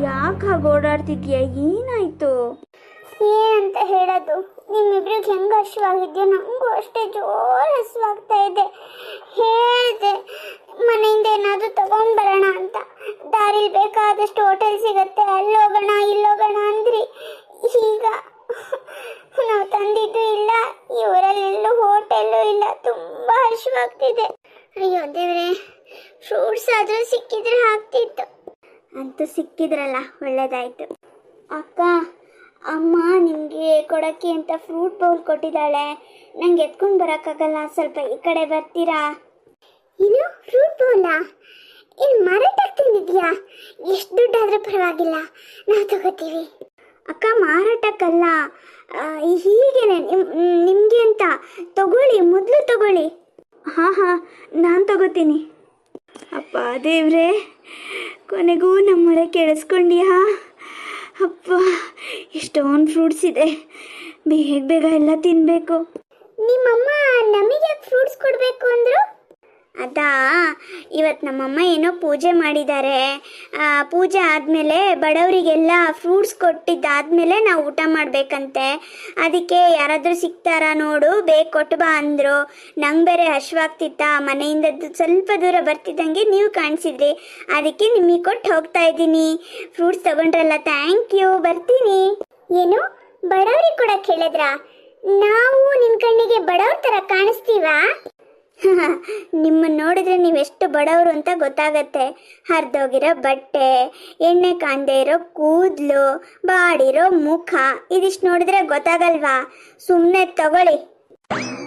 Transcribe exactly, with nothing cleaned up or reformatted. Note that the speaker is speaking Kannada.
ಯಾಕೆ ಹಾಗೆ ಓಡಾಡ್ತಿದ್ಯಾ? ಏನಾಯ್ತು? ಏನಂತ ಹೇಳೋದು, ನಿಮ್ಮಿಬ್ರಿಗೆ ಹೆಂಗೆ ಹಸುವಾಗಿದ್ಯೋ ನನಗೂ ಅಷ್ಟೇ ಜೋರು ಹಸುವಾಗ್ತಾ ಇದೆ. ಹೇಳಿದೆ ಮನೆಯಿಂದ ಏನಾದರೂ ತಗೊಂಡು ಬರೋಣ ಅಂತ. ದಾರಿಲಿ ಬೇಕಾದಷ್ಟು ಹೋಟೆಲ್ ಸಿಗತ್ತೆ, ಅಲ್ಲಿ ಹೋಗೋಣ ಇಲ್ಲಿ ಹೋಗೋಣ ಅಂದ್ರಿ. ಈಗ ನಾವು ತಂದಿದ್ದು ಇಲ್ಲ, ಈ ಊರಲ್ಲಿ ಎಲ್ಲೂ ಹೋಟೆಲ್ಲು ಇಲ್ಲ. ತುಂಬ ಹಸುವಾಗ್ತಿದೆ. ಅಯ್ಯೋ ದೇವ್ರೆ, ಫ್ರೂಟ್ಸ್ ಆದರೂ ಸಿಕ್ಕಿದ್ರೆ ಆಗ್ತಿತ್ತು. ಅಂತೂ ಸಿಕ್ಕಿದ್ರಲ್ಲ, ಒಳ್ಳೇದಾಯ್ತು. ಅಕ್ಕ, ಅಮ್ಮ ನಿಮಗೆ ಕೊಡೋಕ್ಕೆ ಅಂತ ಫ್ರೂಟ್ ಬೌಲ್ ಕೊಟ್ಟಿದ್ದಾಳೆ. ನಂಗೆ ಎತ್ಕೊಂಡು ಬರೋಕ್ಕಾಗಲ್ಲ, ಸ್ವಲ್ಪ ಈ ಕಡೆ ಬರ್ತೀರಾ? ಏನು ಫ್ರೂಟ್ ಬೌಲಾ? ಏನು ಮಾರಾಟಕ್ಕೆ ತಂದಿದ್ಯಾ? ಎಷ್ಟು ದುಡ್ಡಾದರೂ ಪರವಾಗಿಲ್ಲ, ನಾವು ತಗೋತೀವಿ. ಅಕ್ಕ, ಮಾರಾಟಕ್ಕಲ್ಲ, ಹೀಗೇನೆ ನಿಮಗೆ ಅಂತ. ತಗೊಳ್ಳಿ, ಮೊದಲು ತಗೊಳ್ಳಿ. ಹಾಂ ಹಾಂ, ನಾನು ತಗೋತೀನಿ. ಅಪ್ಪ ದೇವ್ರೆ, ಕೊನೆಗೂ ನಮ್ಮಳೆ ಕೇಳಿಸ್ಕೊಂಡ್ಯಾ? ಅಪ್ಪ, ಎಷ್ಟೊಂದು ಫ್ರೂಟ್ಸ್ ಇದೆ, ಬೇಗ ಬೇಗ ಎಲ್ಲ ತಿನ್ನಬೇಕು. ನಿಮ್ಮಮ್ಮ ನಮಗೆ ಫ್ರೂಟ್ಸ್ ಕೊಡಬೇಕು ಅಂದರು? ಅದಾ, ಇವತ್ತು ನಮ್ಮಮ್ಮ ಏನೋ ಪೂಜೆ ಮಾಡಿದ್ದಾರೆ. ಪೂಜೆ ಆದಮೇಲೆ ಬಡವರಿಗೆಲ್ಲ ಫ್ರೂಟ್ಸ್ ಕೊಟ್ಟಿದ್ದಾದಮೇಲೆ ನಾವು ಊಟ ಮಾಡಬೇಕಂತೆ. ಅದಕ್ಕೆ ಯಾರಾದರೂ ಸಿಗ್ತಾರಾ ನೋಡು, ಬೇಗ ಕೊಟ್ಟು ಬಾ ಅಂದರು. ನಂಗೆ ಬೇರೆ ಹಶ್ವಾಗ್ತಿತ್ತ, ಮನೆಯಿಂದ ಸ್ವಲ್ಪ ದೂರ ಬರ್ತಿದ್ದಂಗೆ ನೀವು ಕಾಣಿಸಿದ್ರಿ, ಅದಕ್ಕೆ ನಿಮಗೆ ಕೊಟ್ಟು ಹೋಗ್ತಾ ಇದ್ದೀನಿ. ಫ್ರೂಟ್ಸ್ ತಗೊಂಡ್ರಲ್ಲ, ಥ್ಯಾಂಕ್ ಯು, ಬರ್ತೀನಿ. ಏನು ಬಡವರಿಗೆ ಕೂಡ ಕೇಳಿದ್ರಾ? ನಾವು ನಿಮ್ಮ ಕಣ್ಣಿಗೆ ಬಡವ್ರ ಥರ ಕಾಣಿಸ್ತೀವಾ? ನಿಮ್ಮನ್ನು ನೋಡಿದ್ರೆ ನೀವೆಷ್ಟು ಬಡವರು ಅಂತ ಗೊತ್ತಾಗತ್ತೆ. ಹರಿದೋಗಿರೋ ಬಟ್ಟೆ, ಎಣ್ಣೆ ಕಾಂದೇ ಇರೋ ಕೂದಲು, ಬಾಡಿರೋ ಮುಖ, ಇದಿಷ್ಟು ನೋಡಿದ್ರೆ ಗೊತ್ತಾಗಲ್ವಾ? ಸುಮ್ಮನೆ ತಗೊಳ್ಳಿ.